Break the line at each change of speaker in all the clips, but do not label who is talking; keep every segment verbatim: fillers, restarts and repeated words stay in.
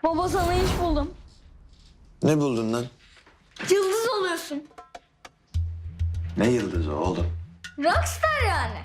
Baba sana iş buldum.
Ne buldun lan?
Yıldız oluyorsun.
Ne yıldızı oğlum?
Rockstar yani.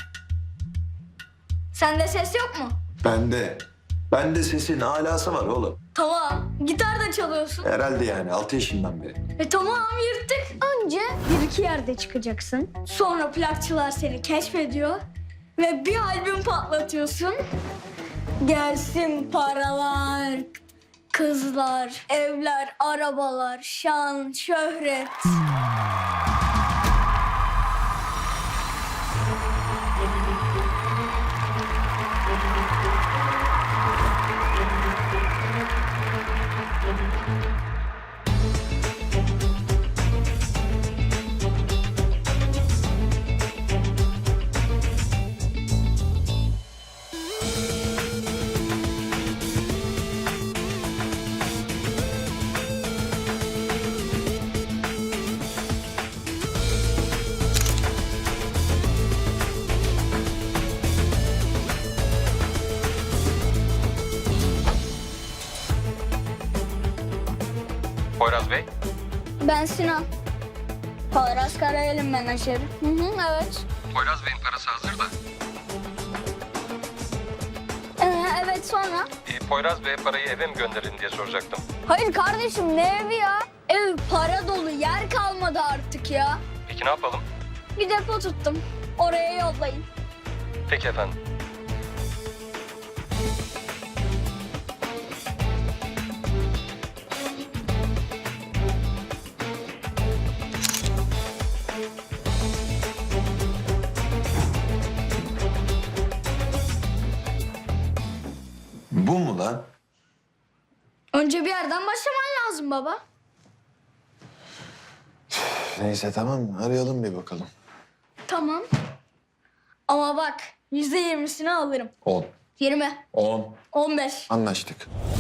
Sende ses yok mu?
Bende. Bende sesin alası var oğlum.
Tamam. Gitar da çalıyorsun.
Herhalde yani altı yaşından beri.
E tamam yırttık. Önce bir iki yerde çıkacaksın. Sonra plakçılar seni keşfediyor. Ve bir albüm patlatıyorsun. Gelsin paralar, kızlar, evler, arabalar, şan, şöhret.
Poyraz Bey,
Ben Sinan. Poyraz Karayel'in menajeri. Hı hı, evet.
Poyraz Bey'in parası hazır da.
Ee, evet sonra?
E, Poyraz Bey'e parayı eve mi gönderin diye soracaktım.
Hayır kardeşim ne evi ya? Ev para dolu, yer kalmadı artık ya.
Peki ne yapalım?
Bir depo tuttum. Oraya yollayın.
Peki efendim.
Bu mu lan?
Önce bir yerden başlaman lazım baba.
Neyse tamam arayalım bir bakalım.
Tamam. Ama bak yüzde yirmisini alırım.
On.
Yirmi.
On.
On beş.
Anlaştık.